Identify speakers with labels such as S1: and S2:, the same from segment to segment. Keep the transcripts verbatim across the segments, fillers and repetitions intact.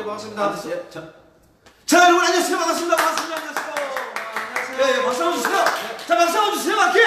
S1: 반갑습니다.
S2: 아, 자, 자, 여러분 안녕하세요. 반갑습니다. 반갑습니다. 안녕하세요.
S1: 안녕하세요.
S2: 예, 예, 박수 한번 주세요. 자, 박수 한번 주세요. 맞게.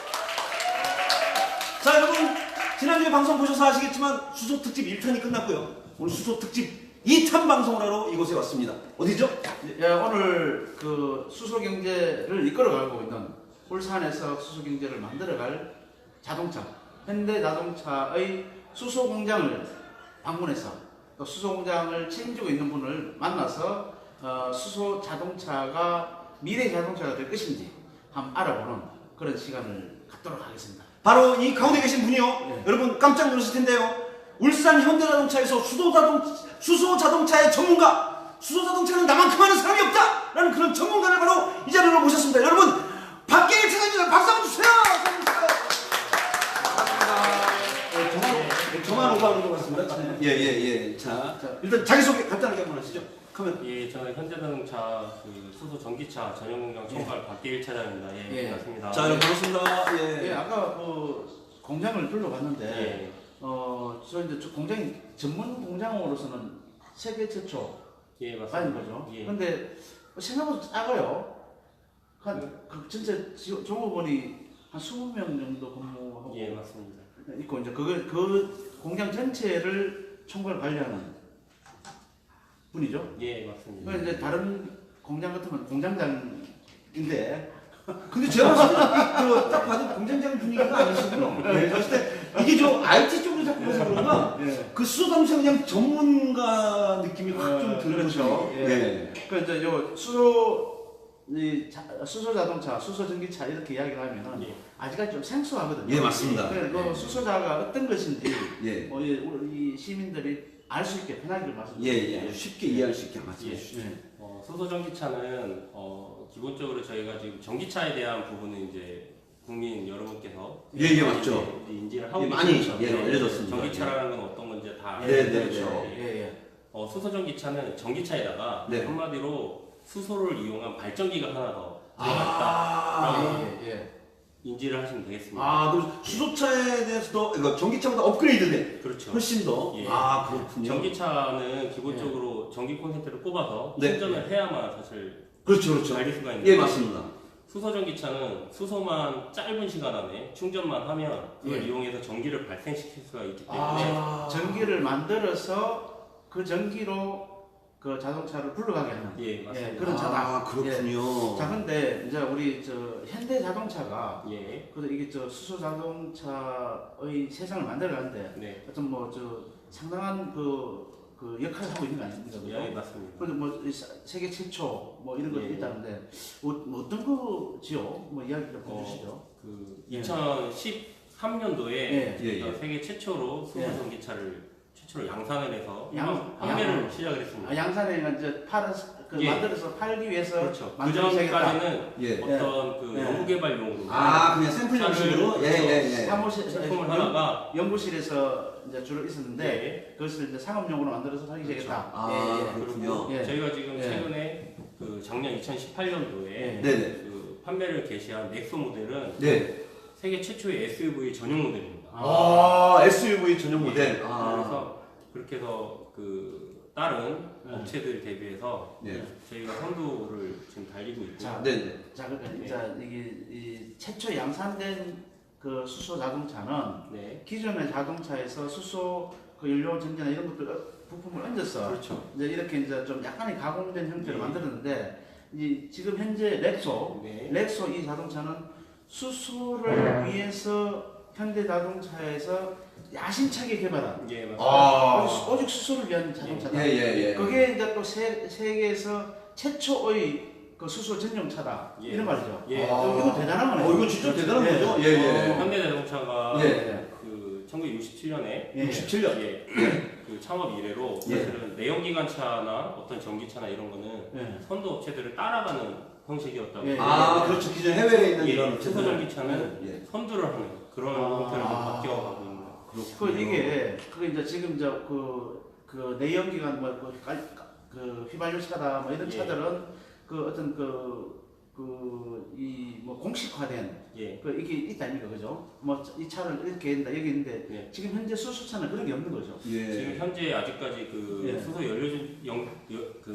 S2: 자, 여러분 지난주에 방송 보셔서 아시겠지만 수소 특집 일 탄이 끝났고요. 오늘 수소 특집 이 탄 방송을 하러 이곳에 왔습니다. 어디죠?
S1: 예, 오늘 그 수소 경제를 이끌어가고 있는 울산에서 수소 경제를 만들어갈 자동차 현대 자동차의 수소 공장을 방문해서 또 수소 공장을 책임지고 있는 분을 만나서 어, 수소 자동차가 미래 자동차가 될 것인지 한번 알아보는 그런 시간을 갖도록 하겠습니다.
S2: 바로 이 가운데 계신 분이요.
S1: 네.
S2: 여러분 깜짝 놀라실 텐데요. 울산 현대자동차에서 수소 자동 수소 자동차의 전문가, 수소 자동차는 나만큼 하는 사람이 없다라는 그런 전문가를 바로 이 자리로 모셨습니다. 여러분 박계일 차장님 박수 한번 주세요. 네, 저만 오버하는 것 같습니다. 예예예. 예, 예. 자, 자 일단 자기 소개 간단하게 한번 하시죠. 카메라.
S3: 예, 저는 현대자동차 그 수소 전기차 전용공장 총괄 박계일 차장입니다. 예,
S1: 예.
S3: 반갑습니다.
S2: 자, 여러분 반갑습니다.
S1: 예,
S2: 예.
S1: 아까 그 공장을 둘러봤는데
S3: 예.
S1: 어, 저 이제 저 공장이 전문 공장으로서는 세계 최초
S3: 예,
S1: 아닌
S3: 맞습니다.
S1: 거죠.
S3: 예.
S1: 근데 생각보다 작아요. 한 그 진짜 지- 종업원이 한 이십 명 정도 근무하고
S3: 예, 맞습니다.
S1: 있고 이제 그걸 그 공장 전체를 총괄 관리하는 분이죠.
S3: 예, 맞습니다.
S1: 그 이제 다른 공장 같으면 공장장인데
S2: 근데 제가 봤을 때딱 봐도 공장장 분위기가 아니시군요. 네, 봤을 때 이게 좀 아이티 쪽으로 자꾸 봐서 그런가?
S1: 예.
S2: 그 수소 자동차 그냥 전문가 느낌이 확 좀
S1: 어,
S2: 들는
S1: 그렇죠.
S2: 거죠.
S1: 예.
S2: 네.
S1: 그 이제 요 수소 이 자, 수소 자동차, 수소 전기차 이렇게 이야기를 하면은
S3: 예.
S1: 아직까지 좀 생소하거든요.
S2: 예, 맞습니다.
S1: 그래서 그
S2: 예.
S1: 수소자가 어떤 것인지
S2: 예.
S1: 어, 이, 우리 이 시민들이 알 수 있게 편하게 좀
S2: 예,
S1: 말씀드릴게요.
S2: 예. 쉽게 이해할 수 있게 말씀해
S3: 예.
S2: 주시죠.
S1: 예.
S3: 어, 수소 전기차는 어, 기본적으로 저희가 지금 전기차에 대한 부분은 이제 국민 여러분께서
S2: 예, 예,
S3: 많이
S2: 맞죠.
S3: 이제 인지를 하고
S2: 예, 많이,
S3: 계시죠.
S2: 예, 알려졌습니다.
S3: 전기차라는 건 어떤 건지 다
S2: 네,
S3: 알고
S2: 네,
S3: 계시죠.
S2: 네.
S1: 예, 예.
S3: 어, 수소 전기차는 전기차에다가
S2: 네.
S3: 한마디로 수소를 이용한 발전기가 하나 더
S2: 아,
S3: 들어갔다라고
S1: 예, 예.
S3: 인지를 하시면 되겠습니다.
S2: 아, 그럼 수소차에 대해서도 이거 전기차보다 업그레이드돼.
S3: 그렇죠.
S2: 훨씬 더.
S3: 예.
S2: 아, 그렇군요.
S3: 전기차는 기본적으로 전기 콘센트를 꼽아서
S2: 네.
S3: 충전을 해야만 사실
S2: 그렇죠, 그렇죠.
S3: 달릴 수가 있는데
S2: 예, 맞습니다.
S3: 수소 전기차는 수소만 짧은 시간 안에 충전만 하면 그걸
S1: 예.
S3: 이용해서 전기를 발생시킬 수가 있기 때문에
S2: 아,
S1: 전기를 만들어서 그 전기로 그 자동차를 굴러가게 하는
S3: 예, 맞습니다.
S1: 예, 그런 차다.
S2: 아, 그렇군요.
S1: 자, 근데 이제 우리 저 현대 자동차가
S3: 예,
S1: 그래도 이게 저 수소 자동차의 세상을 만들어가는데
S3: 네,
S1: 어떤 뭐 저 상당한 그, 그 역할을 하고 있는 거 아닙니까? 그죠?
S3: 예, 맞습니다.
S1: 그래서 뭐 이 사- 세계 최초 뭐 이런 것도
S3: 예.
S1: 있다는데 뭐, 뭐 어떤 거지요? 뭐 이야기 좀
S3: 어,
S1: 해주시죠.
S3: 그
S1: 예.
S3: 이천십삼 년도에
S1: 예.
S2: 예, 예.
S3: 세계 최초로 수소
S1: 예.
S3: 전기차를 최초로 양산을 해서
S1: 양-
S3: 판매를
S1: 양-
S3: 시작을 했습니다.
S1: 아, 양산에 이제 팔아 그
S3: 예.
S1: 만들어서 팔기 위해서
S3: 그렇죠. 그
S1: 만들기 시작했다.
S3: 전까지는
S2: 예.
S3: 어떤 그
S1: 예.
S3: 연구개발용으로
S2: 아, 그냥 샘플 형식으로? 예, 예, 예.
S1: 사무실
S3: 제품을
S1: 연-
S3: 하다가
S1: 연구실에서 이제 주로 있었는데
S3: 네.
S1: 그것을 이제 상업용으로 만들어서 하기
S3: 그렇죠.
S1: 시작했다.
S2: 아,
S1: 예, 예.
S2: 그렇군요.
S1: 예.
S3: 저희가 지금
S1: 예.
S3: 최근에 그 작년 이천십팔 년도에
S1: 예.
S2: 네네.
S3: 그 판매를 개시한 넥소 모델은
S2: 네.
S3: 세계 최초의 에스유브이 전용 모델입니다.
S2: 아, 에스유브이 전용 모델.
S3: 예.
S2: 아.
S3: 그래서 그렇게 해서 그 다른
S1: 네.
S3: 업체들 대비해서
S2: 네.
S3: 저희가 선두를 지금 달리고 있고
S1: 자,
S2: 네, 네.
S1: 자, 그러니까
S3: 네.
S1: 이제 이게 이 최초 양산된 그 수소 자동차는
S3: 네,
S1: 기존의 자동차에서 수소 그 연료 전지나 이런 것들 어, 부품을 얹어서
S3: 그렇죠.
S1: 이제 이렇게 이제 좀 약간의 가공된 형태로
S3: 네.
S1: 만들었는데 이 지금 현재 렉소
S3: 네,
S1: 렉소 이 자동차는 수소를 위해서 현대 자동차에서 야심차게 개발한
S3: 예, 맞습니다.
S2: 아.
S1: 오직, 오직 수소를 위한 자동차다.
S2: 예, 예, 예.
S1: 그게 이제 또 세, 세계에서 최초의 그 수소 전용차다.
S3: 예.
S1: 이런 말이죠.
S3: 예.
S1: 어, 이거 대단한 거네요.
S2: 어, 이건 진짜 대단한
S1: 예.
S2: 거죠? 예, 예.
S1: 어,
S3: 현대자동차가
S2: 예.
S3: 그 천구백육십칠 년에
S1: 예.
S2: 육십칠 년.
S3: 예, 그 창업 이래로
S2: 예.
S3: 사실은 내연기관차나 어떤 전기차나 이런 거는
S1: 예.
S3: 선도 업체들을 따라가는 형식이었다고.
S1: 예.
S2: 아, 그렇죠. 기존 해외에 있는
S3: 예,
S2: 이런
S3: 수소
S2: 업체들.
S3: 전기차는
S2: 예.
S3: 선두를 하는 그런
S1: 아.
S3: 형태로 좀 바뀌어가고 있는.
S1: 그 이게 그 이제 지금 저그 그 내연기관 뭐그 그 휘발유차다 뭐 이런
S3: 예.
S1: 차들은 그 어떤 그 그 이 뭐 공식화된
S3: 예.
S1: 그 이게 있다 아닙니까 그죠? 뭐 이 차를 이렇게 한다 여기 있는데
S3: 예.
S1: 지금 현재 수소차는 그런 게 없는 거죠.
S3: 지금
S2: 예.
S3: 현재 아직까지 그
S1: 예.
S3: 수소 연료 전- 연,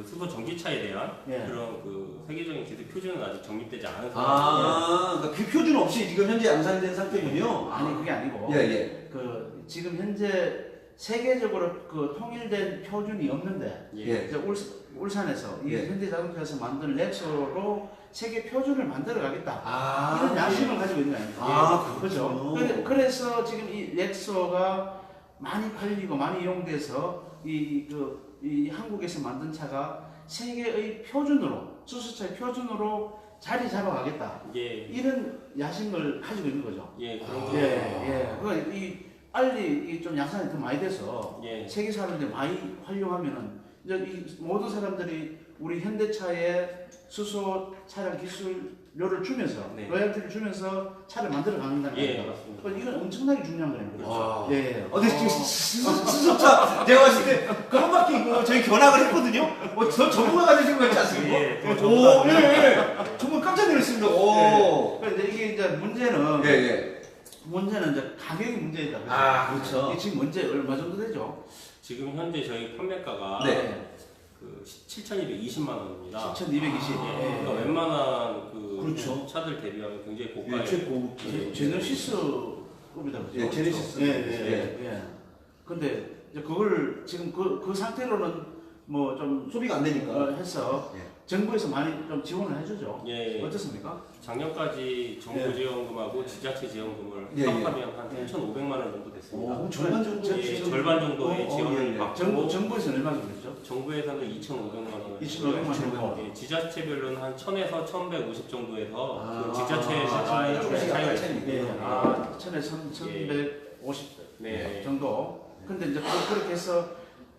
S3: 수소 전기차에 대한
S1: 예.
S3: 그런 그 세계적인 기술 표준은 아직 정립되지 않은 상태예요.
S2: 아, 그러니까 그 표준 없이 지금 현재 양산된 상태군요.
S1: 아니 그게 아니고
S2: 예, 예.
S1: 그 지금 현재 세계적으로 그 통일된 표준이 없는데
S2: 예.
S1: 이제 울, 울산에서 이
S2: 예.
S1: 현대자동차에서 만든 렉소로 세계 표준을 만들어 가겠다.
S2: 아,
S1: 이런 야심을 가지고 있는 거 아닙니까?
S2: 아,
S1: 그렇죠.
S2: 그렇군요.
S1: 그래- 그래서 지금 이 렉소가 많이 팔리고 많이 이용돼서 이, 그, 이 한국에서 만든 차가 세계의 표준으로, 수소차의 표준으로 자리 잡아가겠다.
S3: 예,
S1: 이런 야심을 가지고 있는 거죠.
S3: 예, 그런
S2: 아.
S3: 거.
S1: 예, 예. 그, 이, 빨리 이 좀 양산이 더 많이 돼서
S3: 예,
S1: 세계 사람들이 많이 활용하면은 이제 이 모든 사람들이 우리 현대차의 수소 차량 기술료를 주면서
S3: 네.
S1: 로열티를 주면서 차를 만들어 가는다는
S3: 예,
S1: 거예요.
S3: 맞습니다.
S1: 그러니까 이건 엄청나게 중요한 거예요.
S2: 와.
S1: 예, 예.
S2: 어, 근데 지금 수소차 내가 봤을 때 그 한 바퀴 그 저희 견학을 했거든요. 어, 저 전문가가 되신 것 같지 않습니까?
S3: 예, 더
S2: 오,
S3: 전문가.
S2: 예, 예. 정말 깜짝 놀랐습니다. 오.
S1: 그러니까 이제 이게 이제 문제는
S2: 예, 예.
S1: 문제는 이제 가격이 문제이다. 그죠?
S2: 아, 그렇죠.
S1: 이게 지금 문제 얼마 정도 되죠?
S3: 지금 현재 저희 판매가가
S2: 네.
S3: 그 칠천이백이십만 원입니다.
S1: 칠천이백이십.
S3: 예,
S1: 예.
S3: 그러니까 웬만한 그
S2: 그렇죠.
S3: 차들 대비하면 굉장히
S2: 예,
S3: 고가예요.
S2: 최고급.
S1: 제- 제너시스급이다 그죠?
S2: 예, 제네시스.
S1: 예, 예, 예. 예. 근데 이제 그걸 지금 그, 그 상태로는 뭐 좀
S2: 소비가 안 되니까.
S1: 어, 해서
S2: 예.
S1: 정부에서 많이 좀 지원을 해주죠.
S3: 예,
S1: 어떻습니까?
S3: 작년까지 정부
S1: 예.
S3: 지원금하고 지자체 지원금을
S2: 예, 예.
S3: 합하면 한
S1: 예.
S3: 삼천오백만 원 정도 됐습니다.
S2: 오, 절반 정도.
S3: 예,
S1: 지금-
S3: 절반 정도의
S2: 어, 어,
S3: 지원을
S2: 예, 예.
S3: 받고
S1: 정부 정부에서는 얼마 정도 됐죠?
S3: 정부에서는 이천오백만 원.
S1: 이천오백만 원.
S3: 예, 지자체별로는 한 천에서 천백오십 정도에서
S2: 아,
S3: 그 지자체마다의
S2: 아,
S3: 좀
S2: 조금씩
S3: 차이가
S2: 약간
S3: 있습니다.
S2: 차이가
S1: 예,
S2: 있군요.
S1: 아, 천에 천백오십
S3: 네.
S1: 정도. 근데 이제 그- 그렇게 해서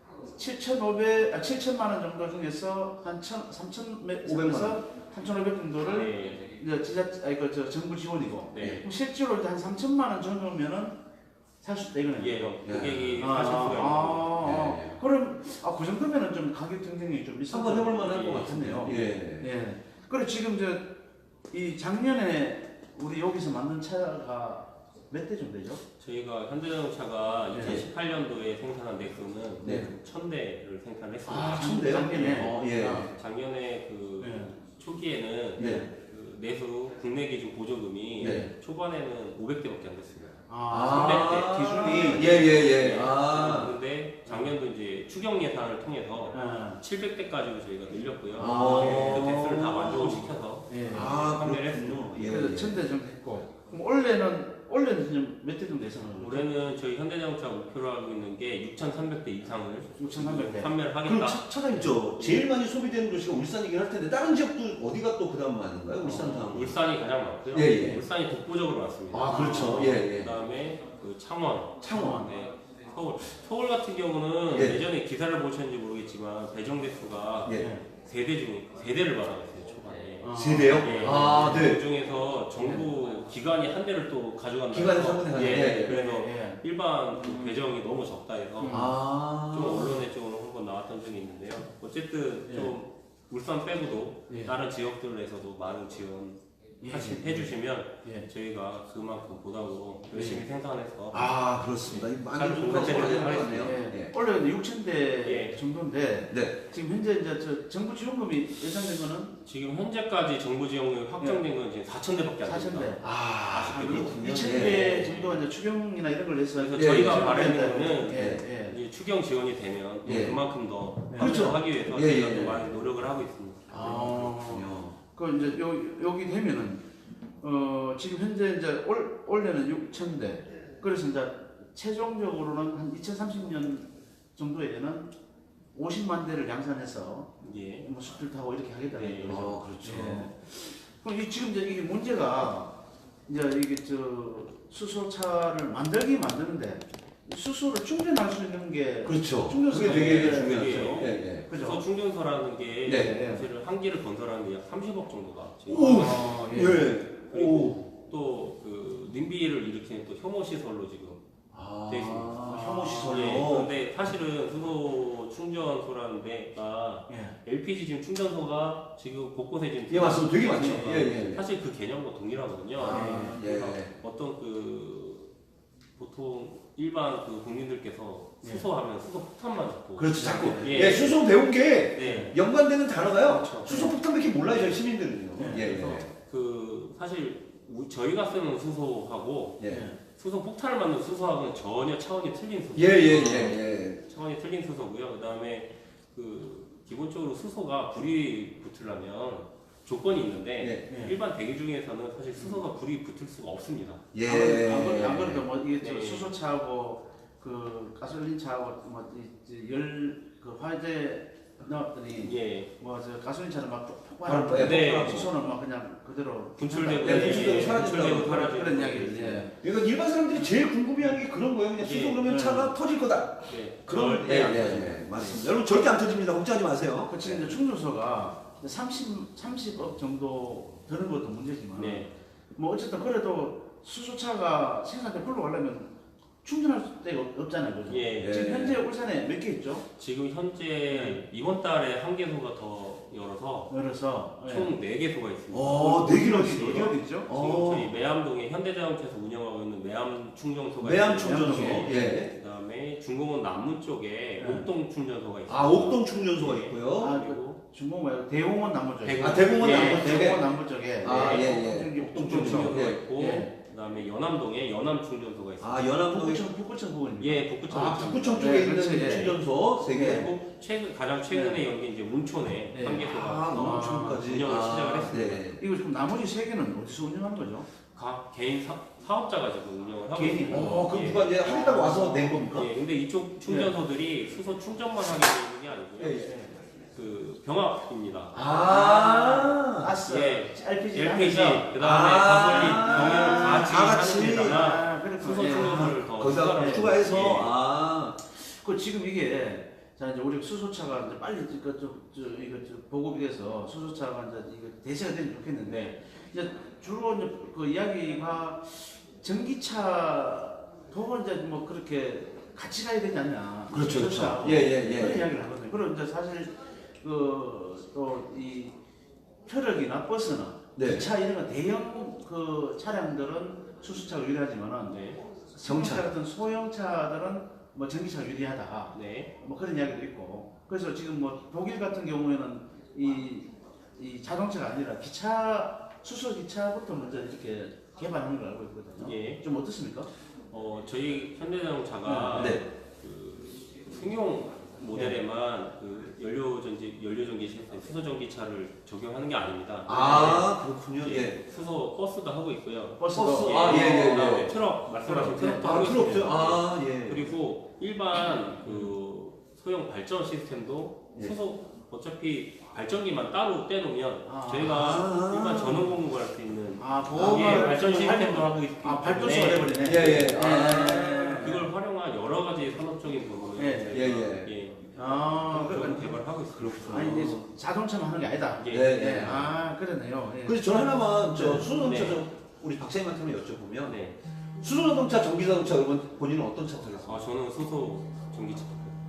S1: 칠천오백, 아, 칠천만 원 정도 중에서 한 천, 삼천에서 삼천오백 정도를
S3: 네.
S1: 이제 지자, 아니 그저 정부 지원이고.
S3: 네.
S1: 그럼 실제로 이제 한 삼천만 원 정도면은 살 수 있다 이거네요.
S3: 예, 고객이
S1: 아,
S3: 사실 수가 있는 거죠.
S1: 아,
S2: 예, 예.
S1: 그럼 아, 그 정도면은 좀 가격 경쟁이 좀 있어.
S2: 한번 해볼 만할
S3: 예,
S2: 것 같은데요. 예.
S1: 예. 그리고 지금 저 이 작년에 우리 여기서 만든 차가 몇 대 정도 되죠?
S3: 저희가 현대자동차가
S1: 네.
S3: 이천십팔 년도에 생산한 넥소는
S2: 네.
S3: 천 대를 생산했습니다.
S1: 아,
S2: 천 대요?
S1: 작년에.
S2: 어, 예.
S1: 아,
S3: 작년에 그
S1: 네.
S3: 초기에는
S2: 네.
S3: 그 내수 국내 기준 보조금이
S2: 네.
S3: 초반에는 오백 대밖에 안 됐습니다.
S1: 아, 기준이.
S2: 예, 예, 예.
S3: 네.
S2: 아.
S3: 그런데 작년도 이제 추경 예산을 통해서
S1: 아,
S3: 칠백 대까지로 저희가 늘렸고요.
S2: 아.
S3: 그 대수를 다 만족을 시켜서
S1: 예.
S2: 아,
S3: 판매를
S2: 그렇군요. 예,
S1: 그래서
S2: 예.
S1: 천 대 정도 했고. 그럼 올해는 올해는 지금 몇 대 정도 예상하는 거죠?
S3: 올해는 저희 현대자동차 목표로 하고 있는 게 육천삼백 대 이상을
S1: 육천삼백 대.
S3: 판매를
S2: 그럼
S3: 하겠다.
S2: 차, 차장님 저 제일 많이 소비되는 도시가 울산이긴 할 텐데 다른 지역도 어디가 또 그다음 많은가요? 울산 다음.
S3: 울산이 가장 많고요.
S2: 예, 예.
S3: 울산이 독보적으로 많습니다.
S2: 아, 그렇죠. 예, 예.
S3: 그다음에 그 창원,
S2: 창원.
S3: 네, 서울. 서울 같은 경우는
S2: 예.
S3: 예전에 기사를 보셨는지 모르겠지만 배정 대수가
S2: 예.
S3: 세대 중 세대를 말하겠어요 초반에.
S1: 아.
S2: 세대요?
S3: 예.
S2: 아, 네.
S3: 그 중에서 정부 기관이 한 대를 또 가져간다.
S2: 기관에서 한 군데
S3: 예.
S2: 가져가요. 예, 예.
S3: 그래서
S1: 예.
S3: 일반 그 배정이 너무 적다 해서
S1: 음.
S2: 아.
S3: 좀 언론에 좀 한번 나왔던 적이 있는데요. 어쨌든
S1: 예.
S3: 좀 울산 빼고도
S1: 예.
S3: 다른 지역들에서도 많은 지원
S1: 예.
S3: 하시, 해주시면
S1: 예.
S3: 저희가 그만큼 보답으로 열심히 생산해서
S2: 아, 그렇습니다. 이 많은
S3: 잘
S2: 정보가
S3: 공개되는
S2: 소개되는 것
S3: 하겠습니다.
S2: 같네요.
S1: 예.
S2: 예.
S1: 원래 육천 대
S3: 예.
S1: 정도인데
S2: 네.
S1: 지금 현재 이제 저 정부 지원금이 예상된 거는
S3: 지금 현재까지 정부 지원금이 확정된 건 지금 사천 대밖에 안
S1: 사천
S3: 됩니다.
S1: 대.
S2: 아, 그렇군요.
S1: 이천
S2: 예.
S1: 대 정도가 이제 추경이나 이런 걸 해서
S3: 그래서
S2: 예,
S3: 저희가
S2: 예.
S3: 바라는
S1: 예,
S3: 거는
S1: 예, 예.
S3: 이제 추경 지원이 되면 또
S2: 예.
S3: 그만큼 더
S1: 네.
S2: 그렇죠.
S3: 하기 위해서
S2: 예,
S3: 저희가
S2: 예,
S3: 또
S2: 예.
S3: 많이 노력을 하고 있습니다.
S1: 아,
S2: 그렇군요.
S1: 그 이제 요 여기 되면은 어 지금 현재 이제 올 올해는 육천 대. 그래서 이제 최종적으로는 한 이천삼십 년 정도에는 오십만 대를 양산해서
S3: 예.
S1: 뭐 수출 타고 이렇게 하겠다는
S3: 네.
S1: 거죠.
S2: 아, 그렇죠.
S1: 예. 그럼 이 지금 이제 이게 문제가 이제 이게 저 수소차를 만들기 만드는데 수소를 충전할 수 있는 게
S2: 그렇죠.
S1: 충전소
S2: 그게 되게
S1: 예,
S2: 중요하죠.
S3: 예.
S2: 예, 예.
S1: 그죠?
S3: 그래서 충전소라는 게
S2: 네.
S3: 사실은 한 개를 건설하는데 약 삼십억 정도가 지금
S2: 오!
S1: 아, 예.
S2: 예.
S3: 그리고 또 그 nim비를 일으키는 또 혐오 시설로 지금
S2: 아,
S3: 돼 있습니다.
S2: 혐오
S3: 예,
S2: 시설로.
S3: 그런데 사실은 수소 충전소라는 데가
S1: 예.
S3: 엘피지 지금 충전소가 지금 곳곳에 지금
S2: 예, 맞습니다. 되게 많죠.
S3: 예,
S2: 예, 예.
S3: 사실 그 개념과 동일하거든요.
S2: 아, 예.
S3: 그러니까 어떤 그 보통 일반 그 국민들께서 수소하면 수소 폭탄만 자꾸
S2: 그렇죠, 자꾸.
S3: 예.
S2: 예, 수소 배운 게
S3: 네.
S2: 연관되는 단어가요.
S3: 그렇죠.
S2: 수소 폭탄밖에 몰라요, 저희 시민들은요.
S1: 네,
S2: 예,
S3: 그래서 그 사실 우- 저희가 쓰는 수소하고
S2: 예. 예.
S3: 수소 폭탄을 만든 수소하고는 전혀 차원이 틀린 수소.
S2: 예, 예, 예, 예.
S3: 차원이 틀린 수소고요. 그다음에 그 기본적으로 수소가 불이 붙으려면 조건이 있는데
S2: 예.
S1: 예.
S3: 일반 대기 중에서는 사실 수소가 불이 붙을 수가 없습니다.
S2: 예.
S1: 안 그래도 안 그래도 뭐 이게 저
S3: 네.
S1: 수소차하고 그 가솔린 차하고 뭐열그 화재 넣었더니
S3: 예.
S1: 뭐 저 가솔린 차는 막
S2: 바로
S1: 폭발하고
S3: 네.
S1: 폭발하고 수소는 막 그냥 그대로
S3: 분출되고
S2: 네, 분출되고
S3: 예,
S2: 사라진다고
S3: 분출되고 사라지고
S1: 그런 이야기를 예.
S2: 그러니까 일반 사람들이 제일 궁금해하는 게 그런 거예요. 그냥 수소
S3: 예.
S2: 그러면
S1: 네.
S2: 차가 터질 거다.
S3: 예.
S2: 그런
S3: 절대 안 터집니다.
S2: 예, 맞습니다. 여러분 절대 안 터집니다. 걱정하지 마세요.
S1: 그 지금 이제 충전소가 삼십 삼십억 정도 드는 것도 문제지만
S3: 네.
S1: 뭐 어쨌든 그래도 수소차가 생산돼 굴러가려면 충전할 데가 없- 없잖아요, 그죠?
S3: 예.
S1: 지금 현재 울산에 몇 개 있죠?
S3: 지금 현재
S1: 네.
S3: 이번 달에 한 개소가 더 열어서
S1: 열어서
S3: 총 네 개소가 있습니다.
S2: 어, 네 개나
S1: 어디
S2: 있어요.
S1: 어디 있죠?
S3: 지금
S2: 어.
S3: 저희 매암동에 현대자동차에서 운영하고 있는 매암 충전소가
S2: 매암
S3: 있고요.
S2: 충전소.
S1: 예.
S2: 예.
S3: 그다음에 중공원 남문 쪽에
S1: 네.
S3: 옥동 충전소가 있습니다.
S2: 아, 옥동 충전소가 있고요.
S1: 아,
S3: 그리고
S1: 중공 말고 대공원 남부 쪽에.
S3: 대공-
S2: 아, 대공원
S3: 예.
S2: 남부 쪽에.
S1: 대공원 남부 쪽에.
S2: 아, 예, 예.
S1: 옥동
S2: 옥동
S1: 충전소.
S3: 충전소가
S2: 예.
S3: 있고
S1: 예.
S3: 그다음에 연암동에 연암 충전소가 있습니다.
S2: 아, 연암동에
S1: 북구청 북구청 부근입니다.
S3: 예, 북구청.
S2: 아, 북구청
S1: 네,
S2: 쪽에 있는
S1: 그렇지, 예.
S2: 충전소 세 개.
S3: 그리고 최근 가장 최근에 연게 이제 운촌에
S1: 네.
S3: 한 개소가
S2: 아, 농촌까지.
S3: 운영을 시작을
S2: 아,
S3: 했습니다.
S2: 네.
S1: 이거 지금 나머지 세 개는 어디서 운영하는 거죠?
S3: 각 개인 사, 사업자가 지금 운영을 하고
S1: 개인이?
S3: 있습니다.
S2: 어, 그럼
S3: 예.
S2: 누가 이제 하겠다고 와서 낸 겁니까?
S3: 예, 근데 이쪽 충전소들이 수소 충전만 하게 되는 게 아니고요.
S2: 예, 예.
S3: 그 병합입니다.
S2: 아,
S1: 가스,
S3: 예.
S1: 엘피지,
S3: 엘피지,
S1: 하면서.
S3: 그 다음에
S2: 아,
S3: 가솔린, 경유를 같이
S2: 다 같이.
S3: 하는 데다가
S1: 아, 그렇구나.
S3: 수소
S1: 예.
S3: 충전소를 더
S2: 거기다
S3: 추가를
S2: 추가해서
S3: 예.
S2: 아,
S1: 그 지금 이게 자 이제 우리 수소차가 이제 빨리 이거 좀 저, 이거 저 보급이 돼서 수소차가 이제 이거 대세가 되면 좋겠는데 이제 주로 이제 그 이야기가 전기차도 이제 뭐 그렇게 같이 가야 되지 않냐.
S2: 그렇죠, 그렇죠.
S1: 수소차하고
S2: 예, 예, 예.
S1: 그런 이야기를 하거든요. 그리고 이제 사실 그 또 이 트럭이나 버스나
S2: 네.
S1: 기차 이런 거 대형 그 차량들은 수소차가 유리하지만은
S3: 네.
S1: 정차 같은 소형차들은 뭐 전기차가 유리하다.
S3: 네.
S1: 뭐 그런 이야기도 있고. 그래서 지금 뭐 독일 같은 경우에는 이, 이 자동차가 아니라 기차 수소 기차부터 먼저 이렇게 개발하는 걸 알고 있거든요.
S3: 예.
S1: 좀 어떻습니까?
S3: 어, 저희 현대자동차가
S2: 네.
S3: 그 승용 모델에만 그 연료 전지 연료 전기 시스템 수소 전기차를 적용하는 게 아닙니다.
S2: 아, 그렇군요.
S3: 예,
S2: 예.
S3: 수소 버스도 하고 있고요.
S1: 버스도
S2: 버스. 아, 예, 예, 예.
S3: 그다음에 트럭 말씀하신
S1: 트럭,
S3: 트럭도
S2: 아,
S3: 하고
S2: 필요 없죠.
S3: 있습니다.
S2: 아, 예.
S3: 그리고 일반 그 소형 발전 시스템도
S2: 예.
S3: 수소 어차피 발전기만 따로 떼놓으면
S1: 아.
S3: 저희가
S2: 아.
S3: 일반 전원 공급을 할 수 있는
S1: 아,
S3: 예,
S1: 보험을
S3: 발전 시스템도 하고 있기
S1: 아,
S3: 때문에
S1: 발전소가 돼버리네.
S2: 예, 예. 아.
S3: 그걸 활용한 여러 가지 산업적인 부분을
S1: 예,
S3: 저희가
S2: 예,
S3: 예,
S1: 아,
S3: 그런
S1: 그러니까
S3: 개발을 하고 있습니다.
S1: 아니 이제 자동차만 하는 게 아니다.
S3: 예.
S2: 네,
S1: 예.
S2: 네.
S1: 아, 그러네요. 예.
S2: 그래서 저 하나만 저
S1: 네.
S2: 수소자동차
S3: 네.
S2: 좀 우리 박사님한테 한번 여쭤보면
S3: 네.
S2: 수소자동차, 전기자동차 여러분 본인은 어떤 차 타겠어요?
S3: 아 저는 수소 전기차.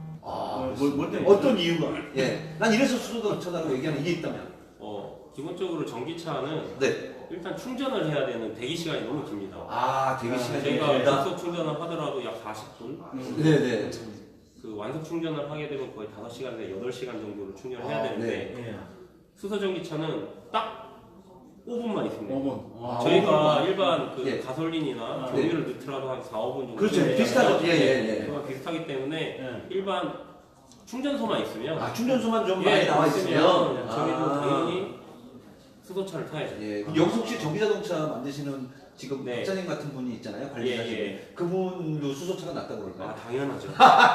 S1: 어, 뭘, 뭘 때문에?
S2: 어떤 이유가? 예. 난 이래서 수소자동차라고 얘기하는 이게 있다면.
S3: 어 기본적으로 전기차는
S2: 네.
S3: 일단 충전을 해야 되는 대기 시간이 너무 깁니다.
S2: 아, 대기 시간이
S3: 저희가
S2: 길다.
S3: 급속 충전을 하더라도 약 사십 분.
S1: 음.
S2: 네, 네.
S3: 그 완속 충전을 하게 되면 거의 다섯 시간에서 여덟 시간 정도를 충전을 해야
S2: 아,
S3: 되는데
S1: 예.
S3: 수소 전기차는 딱 오 분만 있습니다.
S1: 오 분. 아,
S3: 저희가
S2: 오 분만.
S3: 일반 그
S2: 예.
S3: 가솔린이나
S1: 아,
S3: 경유를 넣더라도 한 사, 오 분 정도.
S2: 그렇죠.
S1: 예,
S2: 비슷하죠. 예, 예, 예.
S3: 그거랑 비슷하기 때문에
S1: 예.
S3: 일반 충전소만 있으면
S2: 아, 충전소만 좀
S3: 예,
S2: 많이 나와
S3: 있으면
S2: 있으면
S3: 저희도
S2: 아.
S3: 당연히 수소차를 타야죠.
S2: 예. 그럼 여기서 혹시 전기자동차 만드시는 지금
S3: 네.
S2: 박사님 같은 분이 있잖아요. 관리자시는.
S3: 예, 예.
S2: 그분도 수소차가 낫다고 그럴까요?
S3: 아 당연하죠.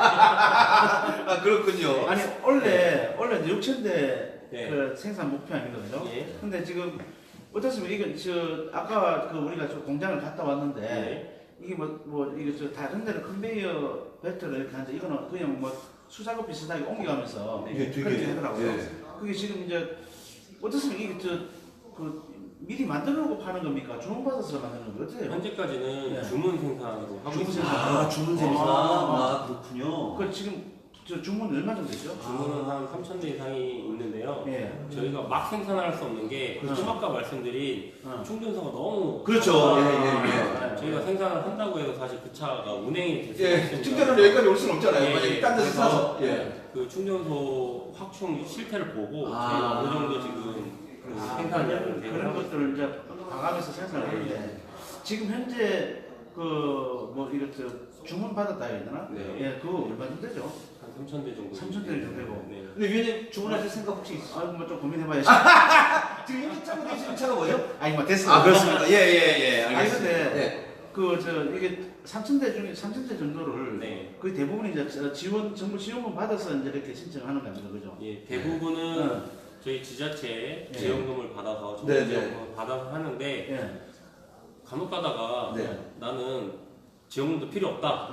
S2: 아, 그렇군요.
S1: 아니 원래 원래 이제 육천 대
S3: 네.
S1: 그 생산 목표 아니거든요.
S3: 예.
S1: 근데 지금 어떻습니까? 이거 저 아까 그 우리가 저 공장을 갔다 왔는데
S3: 네.
S1: 이게 뭐 뭐 이거 저 다른 데는 컨베이어 벨트를 이렇게 하는데 이거는 그냥 뭐 수작업 비슷하게 옮겨가면서
S3: 네.
S2: 이게
S1: 그렇게
S2: 되게
S1: 하더라고요.
S2: 예.
S1: 그게 지금 이제 어떻습니까? 이게 저그 미리 만들어놓고 파는 겁니까? 주문받아서 만드는 겁니까? 어떻게 해요?
S3: 현재까지는
S1: 네.
S3: 주문 생산으로 하고
S1: 주문
S3: 있습니다.
S1: 생산.
S2: 아, 주문 생산.
S1: 아,
S2: 아, 그렇군요.
S1: 그 지금 저 주문 얼마 정도 되죠?
S3: 주문은 한 삼천 대 이상이 있는데요. 때문에요.
S1: 예.
S3: 저희가 막 생산할 수 없는 게
S1: 그렇죠.
S3: 좀 아까 말씀드린
S1: 어.
S3: 충전소가 너무
S2: 그렇죠.
S3: 아,
S2: 예, 예,
S1: 예.
S3: 저희가 생산을 한다고 해서 사실 그 차가 운행이 될 수
S2: 예,
S3: 있습니다.
S2: 충전은 여기까지 올 수는 없잖아요.
S3: 예,
S2: 만약에
S3: 예.
S2: 딴 데서
S3: 그래서
S2: 사서. 예.
S3: 그 충전소 확충 실태를 보고
S2: 아.
S3: 저희가 어느 정도 지금 그
S1: 아,
S3: 생산량을
S1: 그런,
S3: 대응을
S1: 그런
S3: 하고
S1: 것들을 이제 방암에서 생산을 하는데 지금 현재 그 뭐 이렇게 주문 받았다 해야 되나?
S3: 네.
S1: 예, 그거 얼마 정도 되죠?
S3: 한 삼천 대 정도.
S1: 삼천 대 정도 되고.
S3: 네.
S2: 근데 위원님 주문하실 생각 혹시 있어요?
S1: 아, 뭐좀 고민해봐야지.
S2: 지금 현재 차고 계시는 차가 뭐죠?
S1: 아니 뭐 됐어.
S2: 아, 그렇습니다. 예, 예, 예.
S1: 아니
S2: 알겠습니다.
S1: 근데
S2: 예.
S1: 그 저 이게 삼천 대 중에 삼천 대 정도를
S3: 네.
S1: 거의 대부분이 이제 저 지원 정부 지원금 받아서 이제 이렇게 신청하는 겁니다, 그죠?
S3: 예, 대부분은
S1: 어.
S3: 저희 지자체
S1: 네.
S3: 지원금을 받아서 정부
S2: 네, 네.
S3: 지원금을 받아서 하는데
S1: 예.
S3: 간혹 가다가
S2: 네.
S3: 나는 지원금도 필요 없다.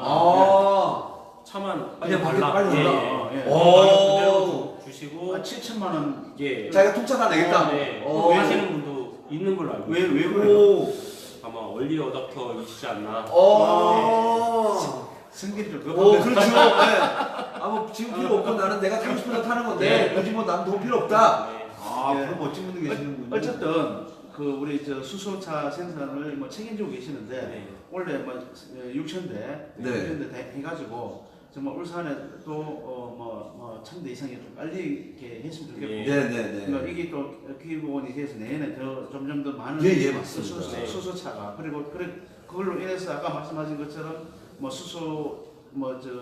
S2: 아.
S3: 차만 빨리
S2: 그냥 밖에
S3: 발라.
S2: 빨리
S3: 예,
S1: 발라.
S3: 예.
S1: 예.
S3: 가격
S2: 오.
S3: 그대로 주시고
S1: 아, 칠천만 원.
S3: 예.
S2: 자기가 통짜 다 내겠다.
S3: 어, 네.
S2: 어.
S3: 하시는 분도 있는 걸로 알고
S1: 왜,
S3: 있어요.
S1: 왜 그래요?
S2: 오.
S3: 아마 얼리 어답터이시지 않나.
S2: 어.
S1: 승기를 좀
S2: 오,
S1: 급하게
S2: 그렇죠. 네. 아, 뭐 지금 필요 없고 나는 내가 타고 싶은 거 타는 건데 굳이 뭐 난 돈 필요 없다.
S3: 네.
S2: 아,
S1: 예.
S2: 그런 멋진 분들 계시는군요.
S1: 어쨌든 그 우리 저 수소차 생산을 뭐 책임지고 계시는데
S3: 네.
S1: 원래 뭐 육천 대,
S2: 네.
S1: 육천 대 해가지고 정말 울산에도 어뭐 천 대 이상이 좀 빨리 이렇게 했으면 좋겠고.
S3: 네.
S2: 네, 네, 네.
S1: 그러니까 이게 또 기본이 돼서 내년에 더 점점 더 많은
S2: 예, 예, 맞습니다.
S1: 수소,
S3: 네.
S1: 수소차가 그리고 그래 그걸로 인해서 아까 말씀하신 것처럼 뭐 수소 뭐 저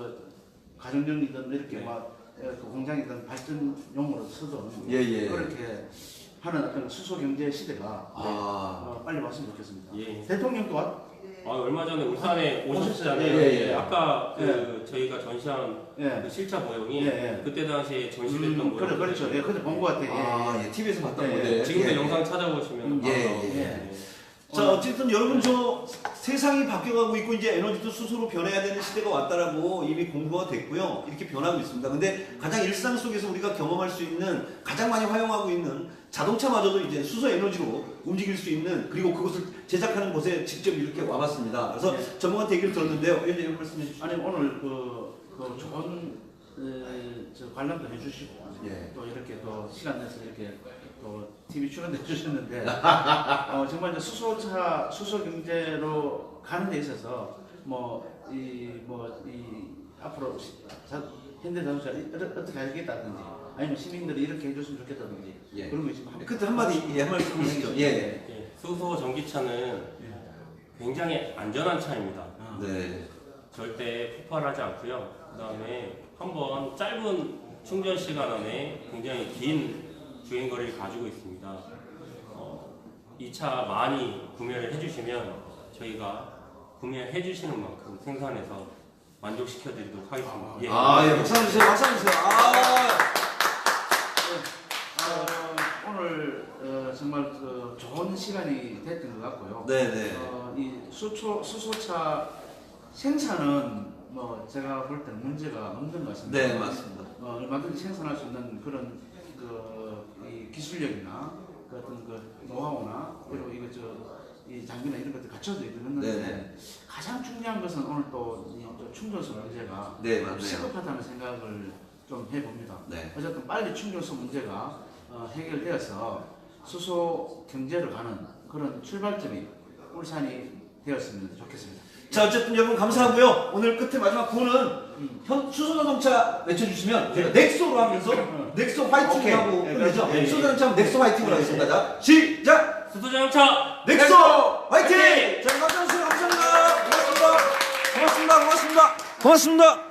S1: 가정용이든 이렇게
S3: 네.
S1: 막 그 공장이든 발전용으로 쓰든
S2: 예, 예.
S1: 그렇게 하는 어떤 수소 경제 시대가
S2: 아.
S1: 어, 빨리 왔으면 좋겠습니다.
S3: 예.
S1: 대통령도 왔,
S3: 아, 얼마 전에 울산에
S1: 오셨어요.
S3: 오셨잖아요.
S1: 예,
S2: 예, 예.
S3: 아까 그 저희가 전시한
S1: 예.
S3: 그 실차 모형이
S1: 예, 예.
S3: 그때 당시에 전시됐던
S1: 음,
S3: 모형.
S1: 그래, 그렇죠. 예, 그때 본 것 같아요. 예,
S2: 아,
S1: 예.
S2: 예, 티비에서 봤던
S1: 예,
S2: 건데.
S3: 지금도
S2: 예,
S3: 영상
S2: 예.
S3: 찾아보시면
S1: 음,
S2: 예,
S3: 나와요.
S2: 예,
S1: 예.
S3: 네.
S2: 자, 어쨌든 여러분 저 세상이 바뀌어가고 있고 이제 에너지도 스스로 변해야 되는 시대가 왔다라고 이미 공부가 됐고요. 이렇게 변하고 있습니다. 근데 가장 일상 속에서 우리가 경험할 수 있는 가장 많이 활용하고 있는 자동차마저도 이제 수소 에너지로 움직일 수 있는 그리고 그것을 제작하는 곳에 직접 이렇게 와봤습니다. 그래서
S1: 네.
S2: 전문가한테 얘기를 들었는데요. 위원님 말씀해 주시죠.
S1: 아니 오늘 그, 그 좋은 에, 저 관람도 해주시고
S2: 예.
S1: 또 이렇게 또 시간 내서 이렇게 또 티비 출연해 주셨는데 어, 정말 이제 수소차 수소 경제로 가는 데 있어서 뭐 이 뭐 이 앞으로 시- 자, 현대자동차 어떻게 하겠다든지 아니면 시민들이 이렇게 해줬으면 좋겠다든지
S2: 예.
S1: 그런 거 있으면 한-
S2: 그때 한마디 예, 한 말씀 해주시죠. 예.
S3: 예. 수소 전기차는 굉장히 안전한 차입니다.
S1: 어.
S2: 네.
S3: 절대 폭발하지 않고요. 그다음에 한번 짧은 충전 시간 안에 굉장히 긴 주행 거리를 가지고 있습니다. 어, 이 차 많이 구매를 해주시면 저희가 구매해 주시는 만큼 생산해서 만족시켜 드리도록 하겠습니다. 예.
S2: 아, 예, 박수 한번 주세요. 박수 한번 주세요. 아.
S1: 어, 오늘 어, 정말 그 좋은 시간이 됐던 것 같고요.
S2: 네, 네.
S1: 어, 이 수초, 수소차 생산은 뭐 제가 볼 때는 문제가 없는 것 같습니다.
S2: 네, 맞습니다.
S1: 어, 얼마든지 생산할 수 있는 그런 그이 기술력이나 그 어떤 그 노하우나 그리고 이거 저이 장비나 이런 것들 갖춰져 있는데
S2: 네, 네.
S1: 가장 중요한 것은 오늘 또이 충전소 문제가
S2: 네, 맞네요.
S1: 시급하다는 생각을 좀 해봅니다.
S2: 네.
S1: 어쨌든 빨리 충전소 문제가 어, 해결되어서 수소 경제로 가는 그런 출발점이 울산이 되었으면 좋겠습니다.
S2: 자, 어쨌든 여러분 감사하고요. 오늘 끝에 마지막 구호는 현 수소자동차 외쳐주시면 제가 넥소로 하면서 넥소 화이팅
S1: 오케이.
S2: 하고
S1: 네,
S2: 끝내죠.
S1: 네, 네.
S2: 수소자동차 하면 넥소 화이팅으로 하겠습니다. 자, 시작!
S3: 수소자동차
S2: 넥소 화이팅!
S3: 화이팅!
S2: 자, 감사합니다. 감사합니다. 고맙습니다. 고맙습니다. 고맙습니다. 고맙습니다.